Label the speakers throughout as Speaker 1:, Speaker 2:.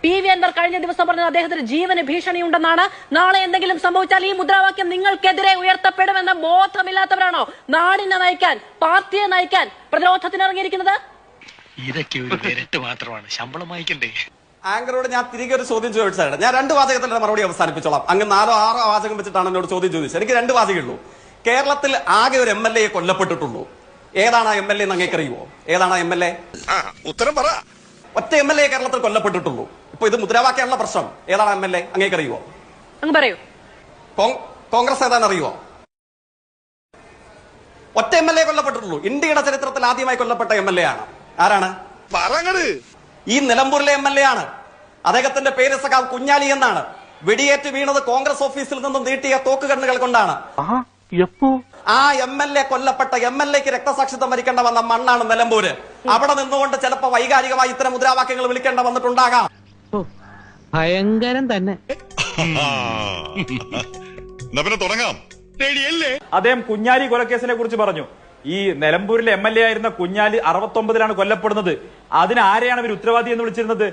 Speaker 1: PV Anwar കഴിഞ്ഞ ദിവസം പറഞ്ഞത് അദ്ദേഹത്തിന് ജീവന് ഭീഷണിയുണ്ടെന്നാണ്. നാളെ എന്തെങ്കിലും സംഭവിച്ചാൽ ഈ മുദ്രാവാക്യം നിങ്ങൾക്കെതിരെ ഉയർത്തപ്പെടുമെന്ന ബോധമില്ലാത്തവരാണോ നാടിനെ നയിക്കാൻ, പാർട്ടിയെ നയിക്കാൻ പ്രതിരോധത്തിനിറങ്ങിയിരിക്കുന്നത്?
Speaker 2: ഇതൊക്കെ ഒരു വിരട്ട് മാത്രമാണ്, ശമ്പളം വായിക്കണ്ടേ?
Speaker 3: ആങ്കറോട് ഞാൻ തിരികെ ഒരു ചോദ്യം ചോദിച്ചതാണ്. ഞാൻ 2 വാചകത്തിന്റെ മറുപടി അവസാനിപ്പിച്ചോളാം. അങ്ങ് 4 6 വാചകം വെച്ചിട്ടാണ് എന്നോട് ചോദ്യം ചോദിച്ചത്. എനിക്ക് 2 വാചകമുള്ളൂ. കേരളത്തിൽ ആകെ ഒരു MLA കൊല്ലപ്പെട്ടിട്ടുള്ളൂ. ഏതാണ് ആ MLA എന്ന് അങ്ങേക്കറിയുമോ? ഏതാണ് ആ MLA?
Speaker 4: ഉത്തരം പറ.
Speaker 3: ഒറ്റ MLA കേരളത്തിൽ കൊല്ലപ്പെട്ടിട്ടുള്ളൂ. ഇപ്പൊ ഇത് മുദ്രാവാക്യമുള്ള പ്രശ്നം. ഏതാണ് MLA അങ്ങേക്കറിയുമോ?
Speaker 1: അങ്ങ് പറയൂ.
Speaker 3: കോൺഗ്രസ് ഏതാണെന്ന് അറിയുമോ? ഒറ്റ MLA കൊല്ലപ്പെട്ടിട്ടുള്ളൂ. ഇന്ത്യയുടെ ചരിത്രത്തിൽ ആദ്യമായി കൊല്ലപ്പെട്ട MLA ആണ്. ആരാണ്? ഈ നിലമ്പൂരിലെ MLA ആണ്. അദ്ദേഹത്തിന്റെ പേര് സഖാവ് കുഞ്ഞാലി എന്നാണ്. വെടിയേറ്റ് വീണത് കോൺഗ്രസ് ഓഫീസിൽ നിന്നും നീട്ടിയ തോക്കുകണ്ണുകൾ കൊണ്ടാണ്. ആ MLA കൊല്ലപ്പെട്ട MLAക്ക് രക്തസാക്ഷിത്വം വരിക്കേണ്ട വന്ന മണ്ണാണ് നിലമ്പൂര്. അവിടെ നിന്നുകൊണ്ട് ചിലപ്പോ വൈകാരികമായി ഇത്തരം മുദ്രാവാക്യങ്ങൾ വിളിക്കേണ്ട വന്നിട്ടുണ്ടാകാം.
Speaker 5: ഭയങ്കരം തന്നെ.
Speaker 4: തുടങ്ങാം.
Speaker 6: അദ്ദേഹം കുഞ്ഞാലി കൊലക്കേസിനെ കുറിച്ച് പറഞ്ഞു. ഈ നിലമ്പൂരിലെ MLA ആയിരുന്ന കുഞ്ഞാലി 69-ലാണ് കൊല്ലപ്പെടുന്നത്. അതിന് ആരെയാണ് ഇവർ ഉത്തരവാദി എന്ന് വിളിച്ചിരുന്നത്?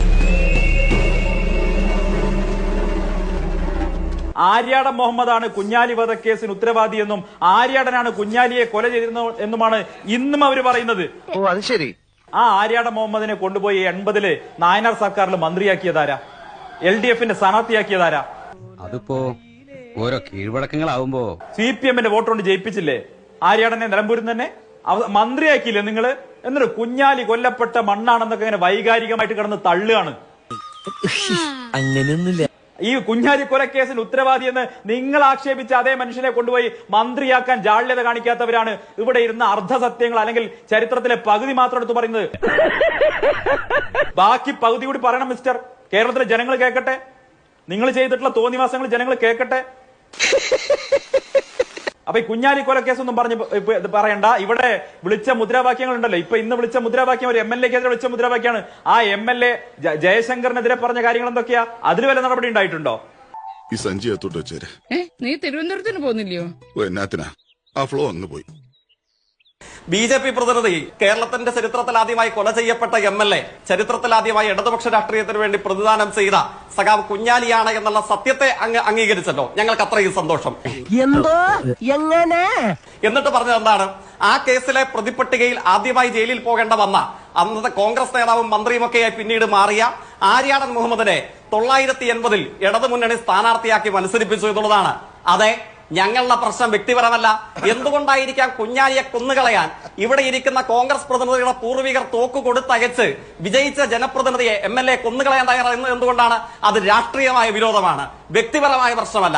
Speaker 6: ആര്യാടൻ മുഹമ്മദാണ് കുഞ്ഞാലി വധക്കേസിന് ഉത്തരവാദി എന്നും ആര്യാടനാണ് കുഞ്ഞാലിയെ കൊല ചെയ്തിരുന്നത് എന്നുമാണ് ഇന്നും അവർ പറയുന്നത്.
Speaker 5: ഓ അത് ശരി.
Speaker 6: ആ ആര്യാടൻ മുഹമ്മദിനെ കൊണ്ടുപോയി 80-ല് നായനാർ സർക്കാരിൽ മന്ത്രിയാക്കിയതാരാ? LDF-ന്റെ സ്ഥാനാർത്ഥിയാക്കിയതാരാ?
Speaker 7: അതിപ്പോ ഓരോ കീഴ്വഴക്കങ്ങളാവുമ്പോ
Speaker 6: CPM-ന്റെ വോട്ട് കൊണ്ട് ജയിപ്പിച്ചില്ലേ ആര്യാടനെ നിലമ്പൂരിൽ തന്നെ? മന്ത്രിയാക്കിയില്ലേ നിങ്ങള്? എന്നിട്ട് കുഞ്ഞാലി കൊല്ലപ്പെട്ട മണ്ണാണെന്നൊക്കെ ഇങ്ങനെ വൈകാരികമായിട്ട് കിടന്ന് തള്ളുകയാണ്.
Speaker 5: അങ്ങനെയൊന്നുമില്ല.
Speaker 6: ഈ കുഞ്ഞാലി കൊലക്കേസിന് ഉത്തരവാദി എന്ന് നിങ്ങൾ ആക്ഷേപിച്ച അതേ മനുഷ്യനെ കൊണ്ടുപോയി മന്ത്രിയാക്കാൻ ജാള്യത കാണിക്കാത്തവരാണ് ഇവിടെ ഇരുന്ന അർദ്ധസത്യങ്ങൾ അല്ലെങ്കിൽ ചരിത്രത്തിലെ പകുതി മാത്രം എടുത്ത് പറയുന്നത്. ബാക്കി പകുതി കൂടി പറയണം മിസ്റ്റർ. കേരളത്തിലെ ജനങ്ങൾ കേൾക്കട്ടെ. നിങ്ങൾ ചെയ്തിട്ടുള്ള തോന്നിവാസങ്ങൾ ജനങ്ങൾ കേൾക്കട്ടെ. അപ്പൊ ഈ കുഞ്ഞാലി കൊലക്കേസൊന്നും പറയണ്ട. ഇവിടെ വിളിച്ച മുദ്രാവാക്യങ്ങൾ ഉണ്ടല്ലോ. ഇപ്പൊ ഇന്ന് വിളിച്ച മുദ്രാവാക്യം ഒരു MLA-ക്കെതിരെ വിളിച്ച മുദ്രാവാക്യമാണ്. ആ MLA ജയശങ്കറിനെതിരെ പറഞ്ഞ കാര്യങ്ങൾ എന്തൊക്കെയാ? അതിൽ വല്ല നടപടി ഉണ്ടായിട്ടുണ്ടോ?
Speaker 4: ഈ സഞ്ചി എത്തോട്ട് വെച്ചേരെ.
Speaker 8: നീ തിരുവനന്തപുരത്തിന് പോകുന്നില്ലയോ?
Speaker 4: എന്നാത്തിനാ ആ ഫ്ലോ അങ്ങ് പോയി.
Speaker 3: BJP പ്രതിനിധി കേരളത്തിന്റെ ചരിത്രത്തിൽ ആദ്യമായി കൊല ചെയ്യപ്പെട്ട MLA, ചരിത്രത്തിൽ ആദ്യമായി ഇടതുപക്ഷ രാഷ്ട്രീയത്തിന് വേണ്ടി പ്രതിദാനം ചെയ്ത സഖാവ് കുഞ്ഞാലിയാണ് എന്നുള്ള സത്യത്തെ അംഗീകരിച്ചല്ലോ. ഞങ്ങൾക്ക് അത്രയും സന്തോഷം.
Speaker 5: എന്തോ എങ്ങനെ
Speaker 3: എന്നിട്ട് പറഞ്ഞത് എന്താണ്? ആ കേസിലെ പ്രതിപട്ടികയിൽ ആദ്യമായി ജയിലിൽ പോകേണ്ട വന്ന അന്നത്തെ കോൺഗ്രസ് നേതാവും മന്ത്രിയുമൊക്കെയായി പിന്നീട് മാറിയ ആര്യാടൻ മുഹമ്മദിനെ 980-ൽ ഇടതുമുന്നണി സ്ഥാനാർത്ഥിയാക്കി മത്സരിപ്പിച്ചു എന്നുള്ളതാണ്. അതെ, ഞങ്ങളുടെ പ്രശ്നം വ്യക്തിപരമല്ല. എന്തുകൊണ്ടായിരിക്കാം കുഞ്ഞാലിയെ കൊന്നുകളയാൻ ഇവിടെ ഇരിക്കുന്ന കോൺഗ്രസ് പ്രതിനിധികളുടെ പൂർവികർ തോക്ക് കൊടുത്തയച്ച് വിജയിച്ച ജനപ്രതിനിധിയെ MLA കൊന്നുകളയാൻ തയ്യാറാകുന്നത് എന്തുകൊണ്ടാണ്? അത് രാഷ്ട്രീയമായ വിരോധമാണ്, വ്യക്തിപരമായ പ്രശ്നമല്ല.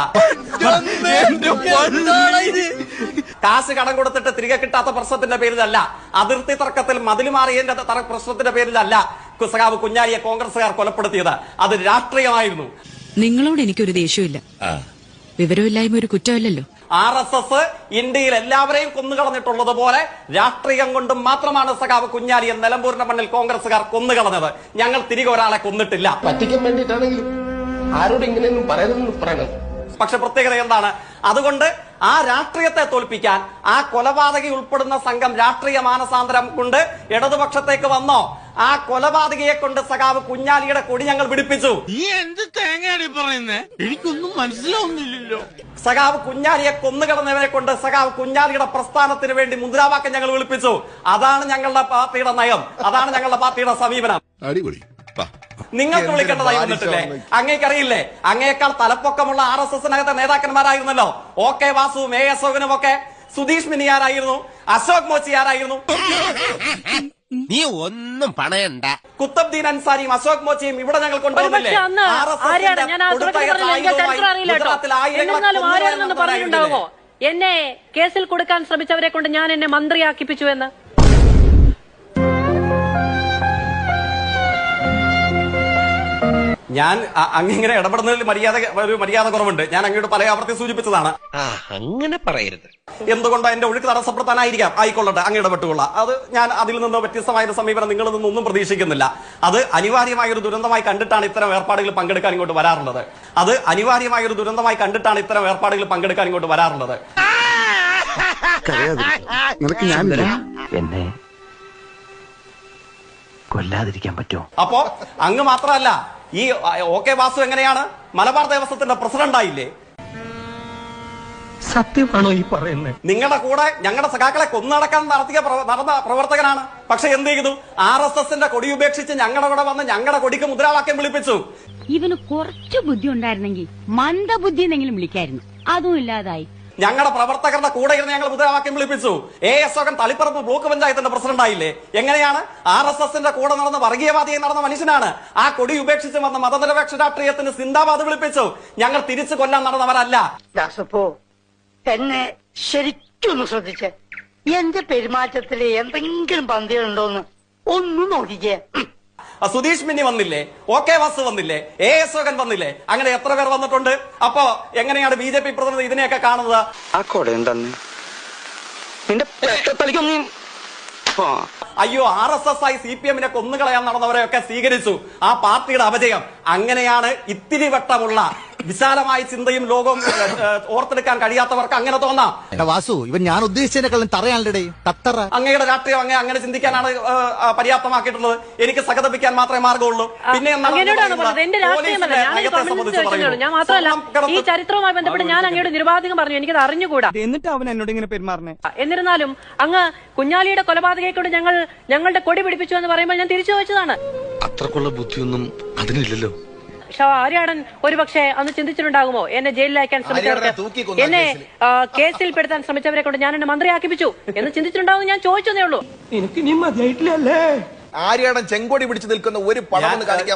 Speaker 3: കാശ് കടം കൊടുത്തിട്ട് തിരികെ കിട്ടാത്ത പ്രശ്നത്തിന്റെ പേരിലല്ല, അതിർത്തി തർക്കത്തിൽ മതിൽ മാറിയതിന്റെ പ്രശ്നത്തിന്റെ പേരിലല്ല സഖാവ് കുഞ്ഞാലിയെ കോൺഗ്രസുകാർ കൊലപ്പെടുത്തിയത്. അത് രാഷ്ട്രീയമായിരുന്നു.
Speaker 8: നിങ്ങളോട് എനിക്കൊരു ദേഷ്യമില്ല. വിവരമില്ലായ്മ ഒരു കുറ്റമല്ലല്ലോ.
Speaker 3: RSS ഇന്ത്യയിൽ എല്ലാവരെയും കൊന്നുകളഞ്ഞിട്ടുള്ളതുപോലെ രാഷ്ട്രീയം കൊണ്ടും മാത്രമാണ് സഖാവ് കുഞ്ഞാലിയെ നിലമ്പൂരിന്റെ മണ്ണിൽ കോൺഗ്രസുകാർ കൊന്നുകളഞ്ഞത്. ഞങ്ങൾ തിരികെ ഒരാളെ കൊന്നിട്ടില്ല.
Speaker 9: പറ്റിക്കാൻ വേണ്ടിയിട്ടാണെങ്കിലും ആരോട് ഇങ്ങനെയൊന്നും പറയണം.
Speaker 3: പക്ഷെ പ്രത്യേകത എന്താണ്? അതുകൊണ്ട് ആ രാഷ്ട്രീയത്തെ തോൽപ്പിക്കാൻ ആ കൊലപാതകി ഉൾപ്പെടുന്ന സംഘം രാഷ്ട്രീയ മാനസാന്തരം കൊണ്ട് ഇടതുപക്ഷത്തേക്ക് വന്നോ? ആ കൊലപാതകിയെ കൊണ്ട് സഖാവ് കുഞ്ഞാലിയുടെ കൊടി ഞങ്ങൾ പിടിപ്പിച്ചു.
Speaker 5: എനിക്കൊന്നും മനസ്സിലാവുന്നില്ലല്ലോ.
Speaker 3: സഖാവ് കുഞ്ഞാലിയെ കൊന്നുകളഞ്ഞവരെ കൊണ്ട് സഖാവ് കുഞ്ഞാലിയുടെ പ്രസ്ഥാനത്തിന് വേണ്ടി മുദ്രാവാക്യം ഞങ്ങൾ വിളിപ്പിച്ചു. അതാണ് ഞങ്ങളുടെ പാർട്ടിയുടെ നയം, അതാണ് ഞങ്ങളുടെ പാർട്ടിയുടെ സമീപനം.
Speaker 4: അടിപൊളി.
Speaker 3: നിങ്ങൾക്ക് വിളിക്കേണ്ടതായി വന്നിട്ടില്ലേ? അങ്ങേക്കറിയില്ലേ? അങ്ങേക്കാൾ തലപ്പൊക്കമുള്ള RSS-നകത്തെ നേതാക്കന്മാരായിരുന്നല്ലോ OK വാസുവും A അശോകനും ഒക്കെ. സുധീഷ് മിനിയാരായിരുന്നു, അശോക് മോച്ചിയാരായിരുന്നു.
Speaker 5: നീ ഒന്നും പണയണ്ട.
Speaker 3: കുത്തബ്ദീൻ അൻസാരിയും അശോക് മോച്ചിയും ഇവിടെ ഞങ്ങൾ കൊണ്ടുവന്നില്ലേ?
Speaker 1: പറഞ്ഞിട്ടുണ്ടാവുമോ എന്നെ കേസിൽ കൊടുക്കാൻ ശ്രമിച്ചവരെ കൊണ്ട് ഞാൻ എന്നെ മന്ത്രിയാക്കിപ്പിച്ചു എന്ന്?
Speaker 3: ഞാൻ അങ്ങനെ ഇടപെടുന്നതിൽ മര്യാദ കുറവുണ്ട്. ഞാൻ അങ്ങോട്ട് പല ആവർത്തി സൂചിപ്പിച്ചതാണ്.
Speaker 5: അങ്ങനെ പറയരുത്.
Speaker 3: എന്തുകൊണ്ടോ എന്റെ ഒഴുക്ക് തടസ്സപ്പെടുത്താനായിരിക്കാം. ആയിക്കൊള്ളട്ടെ, അങ്ങ് ഇടപെട്ടുകൊള്ളാം. അത് ഞാൻ അതിൽ നിന്ന് വ്യത്യസ്തമായ ഒരു സമീപനം നിങ്ങളിൽ നിന്നൊന്നും പ്രതീക്ഷിക്കുന്നില്ല. അത് അനിവാര്യമായ ഒരു ദുരന്തമായി കണ്ടിട്ടാണ് ഇത്തരം ഏർപ്പാടുകൾ പങ്കെടുക്കാൻ ഇങ്ങോട്ട് വരാറുള്ളത്.
Speaker 5: എന്നെ കൊല്ലാതിരിക്കാൻ പറ്റുമോ?
Speaker 3: അപ്പോ അങ്ങ് മാത്രമല്ല, ഈ OK വാസു എങ്ങനെയാണ് മലബാർ ദേവസ്വത്തിന്റെ പ്രസിഡന്റായില്ലേ?
Speaker 5: സത്യമാണോ ഈ പറയുന്നത്?
Speaker 3: നിങ്ങളുടെ കൂടെ ഞങ്ങളുടെ സഖാക്കളെ കൊന്നടക്കാൻ നടന്ന പ്രവർത്തകനാണ്. പക്ഷെ എന്ത് ചെയ്തു? RSSന്റെ കൊടി ഉപേക്ഷിച്ച് ഞങ്ങളുടെ കൂടെ വന്ന് ഞങ്ങളുടെ കൊടിക്ക് മുദ്രാവാക്യം വിളിപ്പിച്ചു.
Speaker 10: ഇവന് കുറച്ച് ബുദ്ധി ഉണ്ടായിരുന്നെങ്കിൽ മന്ദബുദ്ധി എന്നെങ്കിലും വിളിക്കായിരുന്നു. അതും ഇല്ലാതായി.
Speaker 3: ഞങ്ങളുടെ പ്രവർത്തകരുടെ കൂടെ ഇരുന്ന് ഞങ്ങൾ മുദ്രാവാക്യം വിളിപ്പിച്ചു. AS അശോകൻ തളിപ്പറമ്പ് ബ്ലോക്ക് പഞ്ചായത്തിന്റെ പ്രസിഡന്റ് ആയില്ലേ? എങ്ങനെയാണ്? RSSന്റെ കൂടെ നടന്ന വർഗീയവാദിയായി നടന്ന മനുഷ്യനാണ്. ആ കൊടി ഉപേക്ഷിച്ച് വന്ന മതനിരപേക്ഷ രാഷ്ട്രീയത്തിന് സിന്ദാബാദ് വിളിപ്പിച്ചു. ഞങ്ങൾ തിരിച്ചു കൊല്ലാൻ നടന്നവരല്ല.
Speaker 10: എന്നെ ശരിക്കൊന്ന് ശ്രദ്ധിച്ച് എന്റെ പെരുമാറ്റത്തിൽ എന്തെങ്കിലും പന്തികളുണ്ടോന്ന് ഒന്ന് നോക്കിക്കേ.
Speaker 3: സുധീഷ് മിന്നി വന്നില്ലേ? OK വാസു വന്നില്ലേ? AS അശോകൻ വന്നില്ലേ? അങ്ങനെ എത്ര പേർ വന്നിട്ടുണ്ട്? അപ്പോ എങ്ങനെയാണ് BJP പ്രതിനിധി ഇതിനെയൊക്കെ കാണുന്നത്? അയ്യോ, RSS ആയി CPM-നെ കൊന്നുകളയാൻ നടന്നവരെയൊക്കെ സ്വീകരിച്ചു. ആ പാർട്ടിയുടെ അപജയം. അങ്ങനെയാണ് ഇത്തിരി വട്ടമുള്ള വിശാലമായ ചിന്തയും ലോകവും ഓർത്തെടുക്കാൻ കഴിയാത്തവർക്ക് അങ്ങനെ തോന്നാം.
Speaker 5: വാസു, ഇവൻ ഞാൻ ഉദ്ദേശിച്ചതിനെക്കാളും തറയാണല്ലേ തത്തറ.
Speaker 3: അങ്ങയുടെ രാഷ്ട്രീയം അങ്ങനെ ചിന്തിക്കാനാണ് പര്യാപ്തമാക്കിയിട്ടുള്ളത്. എനിക്ക് സഹതപിക്കാൻ മാത്രമേ മാർഗമുള്ളൂ. പിന്നെ
Speaker 1: ഞാൻ മാത്രമല്ല, ഈ ചരിത്രവുമായി ബന്ധപ്പെട്ട് ഞാൻ അങ്ങയുടെ നിരുപാധികം പറഞ്ഞു. എനിക്കത് അറിഞ്ഞുകൂടാ.
Speaker 5: എന്നിട്ട് അവൻ എന്നോട് ഇങ്ങനെ പെരുമാറണേ.
Speaker 1: എന്നിരുന്നാലും അങ്ങ് കുഞ്ഞാലിയുടെ കൊലപാതകയെക്കൊണ്ട് ഞങ്ങളുടെ കൊടി പിടിപ്പിച്ചു എന്ന് പറയുമ്പോൾ ഞാൻ തിരിച്ചു വെച്ചതാണ്.
Speaker 4: അത്രക്കുള്ള ബുദ്ധിയൊന്നും അതിനില്ലല്ലോ.
Speaker 1: ആര്യാടൻ ഒരുപക്ഷെ അന്ന് ചിന്തിച്ചിട്ടുണ്ടാകുമോ എന്നെ ജയിലിൽ അയക്കാൻ ശ്രമിച്ചവർക്ക്, എന്നെ കേസിൽ പെടുത്താൻ ശ്രമിച്ചവരെ കൊണ്ട് ഞാൻ എന്നെ മന്ത്രിയാക്കിപ്പിച്ചു എന്ന് ചിന്തിച്ചിട്ടുണ്ടാവും. ഞാൻ ചോദിച്ചതേ ഉള്ളൂ.
Speaker 5: എനിക്ക് നീ മതിയായിട്ടില്ലല്ലേ?
Speaker 9: ആര്യാടൻ ചെങ്കൊടി പിടിച്ചു നിൽക്കുന്ന ഒരു പടം കാണിക്കാൻ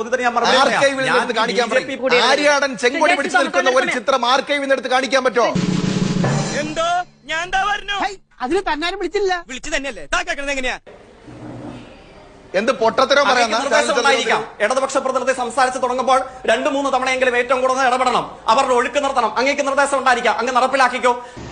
Speaker 9: ആര്യാടൻ ചെങ്കൊടി പിടിച്ചു നിൽക്കുന്ന ഒരു ചിത്രം ആർക്കൈവിൽ എടുത്ത് കാണിക്കാൻ പറ്റോ?
Speaker 5: എന്തോ ഞാൻ അതിന് തന്നാരും വിളിച്ചില്ല. വിളിച്ചു തന്നെയല്ലേ? എങ്ങനെയാ
Speaker 9: എന്ത് പൊട്ടത്തരോ പറയാം.
Speaker 3: ഇടതുപക്ഷ പ്രതിനിധി സംസാരിച്ച് തുടങ്ങുമ്പോൾ 2-3 തവണയെങ്കിലും ഏറ്റവും കൂടുതൽ ഇടപെടണം. അവരുടെ ഒഴുക്ക് നിർത്തണം. അങ്ങേക്ക് നിർദ്ദേശം ഉണ്ടായിരിക്കാം, അങ്ങ് നടപ്പിലാക്കിക്കോ.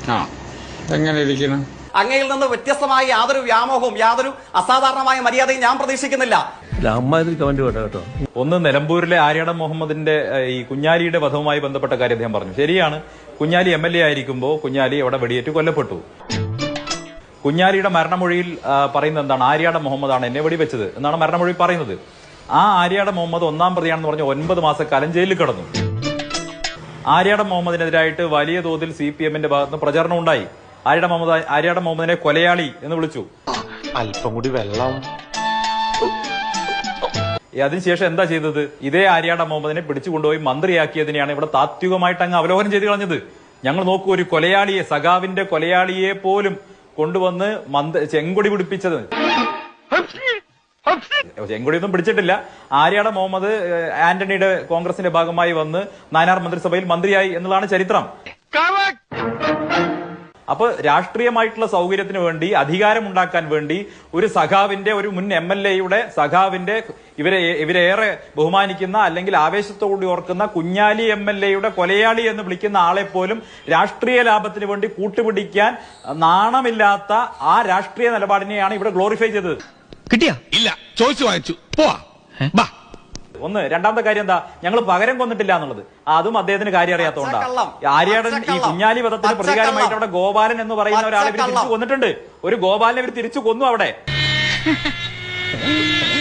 Speaker 3: അങ്ങയിൽ നിന്ന് വ്യത്യസ്തമായ യാതൊരു വ്യാമോഹവും യാതൊരു അസാധാരണമായ മര്യാദയും ഞാൻ പ്രതീക്ഷിക്കുന്നില്ല.
Speaker 6: ഒന്ന്, നിലമ്പൂരിലെ ആര്യാടൻ മുഹമ്മദിന്റെ ഈ കുഞ്ഞാലിയുടെ വധവുമായി ബന്ധപ്പെട്ട കാര്യം അദ്ദേഹം പറഞ്ഞു. ശരിയാണ്, കുഞ്ഞാലി MLA ആയിരിക്കുമ്പോൾ കുഞ്ഞാലി അവിടെ വെടിയേറ്റ് കൊല്ലപ്പെട്ടു. കുഞ്ഞാലിയുടെ മരണമൊഴിയിൽ പറയുന്നത് എന്താണ്? ആര്യാടൻ മുഹമ്മദാണ് എന്നെ വെടിവെച്ചത് എന്നാണ് മരണമൊഴി പറയുന്നത്. ആ ആര്യാടൻ മുഹമ്മദ് 1-ാം പ്രതിയാണെന്ന് പറഞ്ഞ് 9 മാസക്കാലം ജയിലിൽ കിടന്നു. ആര്യാടൻ മുഹമ്മദിനെതിരായിട്ട് വലിയ തോതിൽ CPM-ന്റെ ഭാഗത്ത് പ്രചരണം ഉണ്ടായി. ആര്യാടൻ മുഹമ്മദിനെ കൊലയാളി എന്ന് വിളിച്ചു.
Speaker 9: അല്പം കൂടി വെള്ളം.
Speaker 6: അതിനുശേഷം എന്താ ചെയ്തത്? ഇതേ ആര്യാടൻ മുഹമ്മദിനെ പിടിച്ചുകൊണ്ടുപോയി മന്ത്രിയാക്കിയതിനെയാണ് ഇവിടെ താത്വികമായിട്ട് അങ്ങ് അവലോകനം ചെയ്ത് കളഞ്ഞത്. ഞങ്ങൾ നോക്കൂ, ഒരു കൊലയാളിയെ, സഖാവിന്റെ കൊലയാളിയെ പോലും കൊണ്ടുവന്ന് ചെങ്കൊടി പിടിപ്പിച്ചത്. ചെങ്കൊടിയൊന്നും പിടിച്ചിട്ടില്ല. ആര്യാടൻ മുഹമ്മദ് ആന്റണിയുടെ കോൺഗ്രസിന്റെ ഭാഗമായി വന്ന് നാനാർ മന്ത്രിസഭയിൽ മന്ത്രിയായി എന്നുള്ളതാണ് ചരിത്രം. അപ്പൊ രാഷ്ട്രീയമായിട്ടുള്ള സൗകര്യത്തിന് വേണ്ടി, അധികാരമുണ്ടാക്കാൻ വേണ്ടി ഒരു സഖാവിന്റെ, ഒരു മുൻ MLA-യുടെ സഖാവിന്റെ, ഇവരേറെ ബഹുമാനിക്കുന്ന അല്ലെങ്കിൽ ആവേശത്തോടുകൂടി ഓർക്കുന്ന കുഞ്ഞാലി MLA-യുടെ കൊലയാളി എന്ന് വിളിക്കുന്ന ആളെ പോലും രാഷ്ട്രീയ ലാഭത്തിന് വേണ്ടി കൂട്ടുപിടിക്കാൻ നാണമില്ലാത്ത ആ രാഷ്ട്രീയ നിലപാടിനെയാണ് ഇവിടെ ഗ്ലോറിഫൈ ചെയ്തത്.
Speaker 2: കിട്ടിയാ? ഇല്ല, ചോദിച്ചു വാങ്ങിച്ചു. പോവാ.
Speaker 6: ഒന്ന്. രണ്ടാമത്തെ കാര്യം എന്താ? ഞങ്ങൾ പകരം കൊന്നിട്ടില്ല എന്നുള്ളത്. അതും അദ്ദേഹത്തിന് കാര്യം അറിയാത്തതുകൊണ്ടാണ്. ആര്യാടൻ ഈ കുഞ്ഞാലി വധത്തിന് പ്രതികാരമായിട്ട് അവിടെ ഗോപാലൻ എന്ന് പറയുന്ന ഒരാളെ ഇവർ തിരിച്ചു കൊന്നിട്ടുണ്ട്. ഒരു ഗോപാലനെ ഇവർ തിരിച്ചു കൊന്നു അവിടെ.